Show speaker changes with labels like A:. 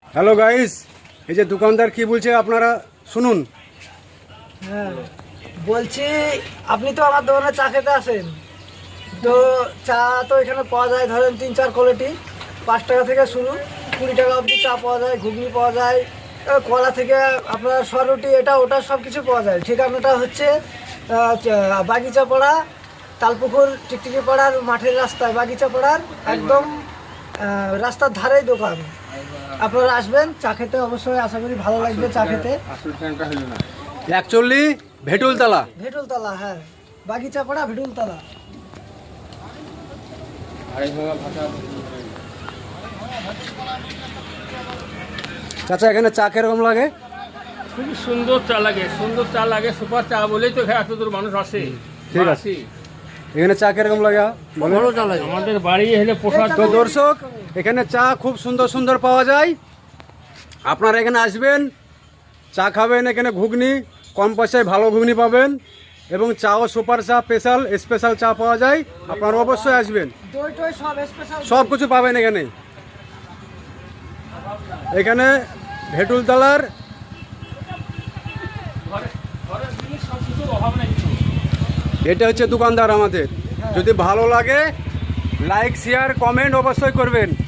A: Hello guys, এই যে দোকানদার কি বলছে আপনারা শুনুন।
B: হ্যাঁ বলছি, আপনি তো আমার দোকানে চা খেতে আসেন, তো চা তো এখানে পাওয়া যায় ধরেন 3-4 কোয়ালিটি। 5 টাকা থেকে শুরু, 20 টাকা অবধি চা পাওয়া যায়, ঘুগনি পাওয়া যায়, কলা থেকে আপনার সরুটি এটা ওটা সব কিছু পাওয়া যায়। ঠিকানাটা হচ্ছে বাগিচা পাড়া, তালপুকুর টিকটিকি পাড়ার মাঠের রাস্তায়, বাগিচা পাড়ার একদম রাস্তার ধারেই দোকান। আপনারা আসবেন চা খেতে, অবশ্যই আশা করি ভালো লাগবে চা খেতে।
A: 41 ভেটুলতলা।
B: ভেটুলতলা, হ্যাঁ, বাগিচা পাড়া ভেটুলতলা।
A: চাচা এখানে চা কিরকম লাগে?
C: খুব সুন্দর চা লাগে, সুন্দর চা লাগে, সুপার চা বলেই তো এত দূর মানুষ আসে।
A: ঠিক আছে, এখানে চা কিরকম লাগে
C: আমাদের বাড়ি হলে প্রসাদ।
A: তো দর্শক, এখানে চা খুব সুন্দর সুন্দর পাওয়া যায়। আপনারা এখানে আসবেন, চা খাবেন, এখানে ঘুগনি কম পয়সায় ভালো ঘুগনি পাবেন, এবং চাও সুপার চা, স্পেশাল চা পাওয়া যায়। আপনারা অবশ্যই আসবেন,
B: দই টই সব স্পেশাল,
A: সব কিছু পাবেন এখানে। এখানে ভেটুলতলার এটা হচ্ছে দোকানদার আমাদের। যদি ভালো লাগে লাইক শেয়ার কমেন্ট অবশ্যই করবেন।